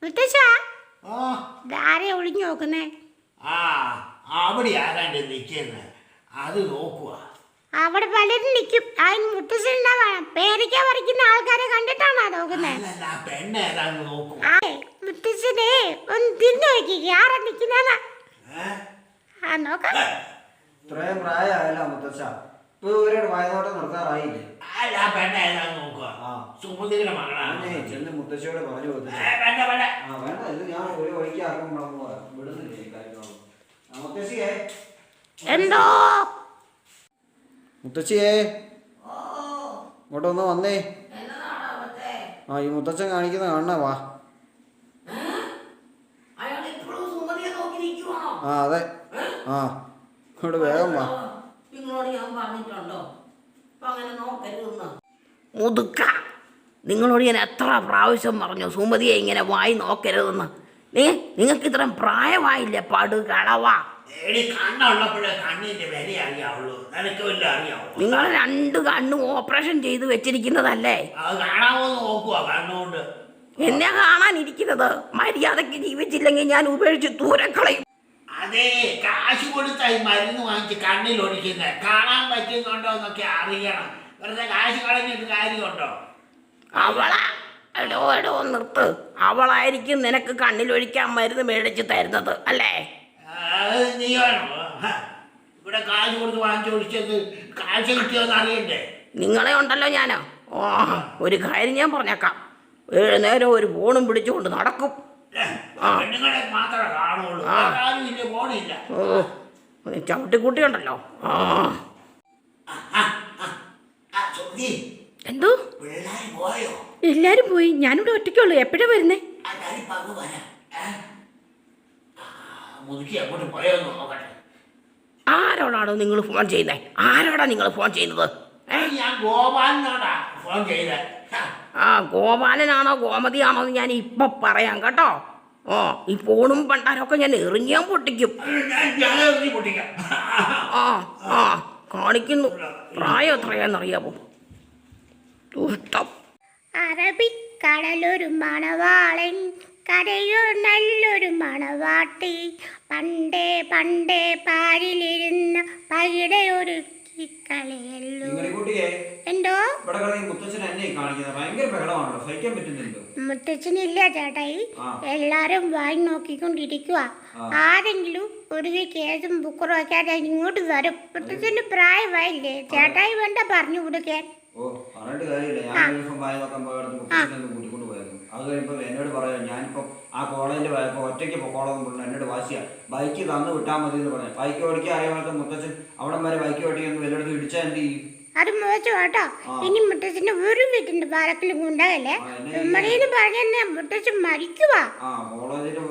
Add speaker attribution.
Speaker 1: മുത്തശ്ശ ആരെ ഒളിഞ്ഞു നോക്കുന്നേ?
Speaker 2: അവിടെ ആരാണ്ട് നിൽക്കുന്നത് അത് നോക്കുക.
Speaker 1: അവിടെ പലരും നിൽക്കും. അതിന് മുത്തശ്ശനാ വേണം. പേരയ്ക്ക പറിക്കുന്ന ആൾക്കാരെ കണ്ടിട്ടാണോ നോക്കുന്നത്?
Speaker 2: പെണ്ണേതാന്ന് നോക്കുക.
Speaker 1: മുത്തശ്ശനെ ഒന്ന് തിരിഞ്ഞു നോക്കിക്കേ, ആരാ നിൽക്കുന്ന നോക്കാം.
Speaker 3: ഇത്രയും പ്രായമായല്ല മുത്തച്ഛ, വായനോട്ടം നിർത്താറായില്ലേ? ചെന്ന് മുത്തശ്ശിയോട് പറഞ്ഞു വേണ്ട, ഇത് ഞാൻ ഒരു വഴിക്ക് ആക്കുമ്പോ വിടുന്നില്ലേ കാര്യങ്ങളൊന്നും. മുത്തശ്ശിയേ,
Speaker 1: എന്തോ
Speaker 3: മുത്തശ്ശിയേ ഇങ്ങോട്ടൊന്ന് വന്നേ. ഈ മുത്തച്ഛൻ കാണിക്കുന്ന കാണണ വാ. അതെ, ഇങ്ങോട്ട് വേഗം വാ.
Speaker 4: മുതുക്ക, നിങ്ങളോട് ഞാൻ എത്ര പ്രാവശ്യം പറഞ്ഞു സുമതിയെ ഇങ്ങനെ വായി നോക്കരുതെന്ന്. നിങ്ങൾക്ക് ഇത്രയും പ്രായമായില്ലേ? പടുകളവാ. നിങ്ങൾ 2 കണ്ണും ഓപ്പറേഷൻ ചെയ്ത് വെച്ചിരിക്കുന്നതല്ലേ? എന്നെ കാണാനിരിക്കുന്നത്. മര്യാദക്ക് ജീവിച്ചില്ലെങ്കിൽ ഞാൻ ഉപേക്ഷിച്ച് ദൂരക്കളയും.
Speaker 2: അതെ, കാശ് കൊടുത്തായി മരുന്ന് വാങ്ങിച്ച് കണ്ണിൽ ഒഴിക്കുന്നത്. കാണാൻ പറ്റുന്നുണ്ടോ എന്നൊക്കെ അറിയണം. വെറുതെ കാശ് കളഞ്ഞിട്ട് കാര്യമുണ്ടോ?
Speaker 4: അവളാ? എടോ നിർത്ത്. അവളായിരിക്കും നിനക്ക് കണ്ണിലൊഴിക്കാൻ മരുന്ന് മേടിച്ച് തരുന്നത് അല്ലേ?
Speaker 2: നീ വേണോ ഇവിടെ കാശ് കൊടുത്ത് വാങ്ങിച്ചൊഴിച്ചത്? കാശ് കിട്ടിയോന്ന് അറിയണ്ടേ?
Speaker 4: നിങ്ങളെ ഉണ്ടല്ലോ ഞാനോ. ഒരു കാര്യം ഞാൻ പറഞ്ഞേക്കാം. 7 നേരം ഒരു ഫോണും പിടിച്ചുകൊണ്ട് നടക്കും.
Speaker 2: പെണ്ണുങ്ങളെ മാത്രമേ കാണുള്ളൂ, ഫോണില്ല.
Speaker 4: ചവിട്ടിക്കുട്ടിയുണ്ടല്ലോ. എന്തോ എല്ലാരും പോയി, ഞാനിവിടെ ഒറ്റയ്ക്കുള്ളൂ. എപ്പോഴാ വരുന്നേ? ആരോടാണോ നിങ്ങൾ ഫോൺ ചെയ്യുന്നേ? ആരോടാ നിങ്ങൾ ഫോൺ ചെയ്യുന്നത്? ഗോപാലനാണോ ഗോമതിയാണോ എന്ന് ഞാൻ ഇപ്പൊ പറയാം കേട്ടോ. ഈ ഫോണും പണ്ടാരൊക്കെ ഞാൻ എറിഞ്ഞാൻ പൊട്ടിക്കും. കാണിക്കുന്നു. പ്രായം എത്രയാന്നറിയാമോ? ദുഷ്ടം.
Speaker 1: അറബിക്കടലൊരു മണവാളൻ, കരയോ നല്ലൊരു മണവാട്ടി. പണ്ടേ പണ്ടേ പാരിലിരുന്ന പകിടെ ഒരു കളിയല്ലോ. എന്തോ മുത്തച്ഛനില്ല ചേട്ടായി, എല്ലാരും വായി നോക്കിക്കൊണ്ടിരിക്കുക. ആരെങ്കിലും ഒരു കേസും ബുക്കറും ഒക്കെ ഇങ്ങോട്ട് വരും. മുത്തച്ഛന് പ്രായമായില്ലേ ചേട്ടായി? വേണ്ട പറഞ്ഞു കൊടുക്കാൻ.
Speaker 3: അത് കഴിയുമ്പോൾ എന്നോട് പറയാം, ഞാനിപ്പം ആ കോളേജിൽ പോയപ്പോൾ ഒറ്റയ്ക്ക് പൊക്കോളെന്ന് പറഞ്ഞു. എന്നോട് വാശിയാ, ബൈക്ക് തന്നു വിട്ടാൽ മതി എന്ന് പറഞ്ഞു. ബൈക്ക് ഓടിക്കാൻ അറിയാത്ത മുത്തച്ഛൻ അവിടം വരെ ബൈക്ക് ഓടിക്കുന്നു. എല്ലായിടത്തും ഇടിച്ചാൽ എന്ത് ചെയ്യും?
Speaker 1: അത് മോശം കേട്ടോ. ഇനി മുത്തച്ഛന്റെ ഒരു വീട്ടിന്റെ പാലക്കിലും ഉണ്ടാകല്ലേ. പറഞ്ഞ മുത്തച്ഛൻ മരിക്കുവാ.
Speaker 3: കോളേജിൽ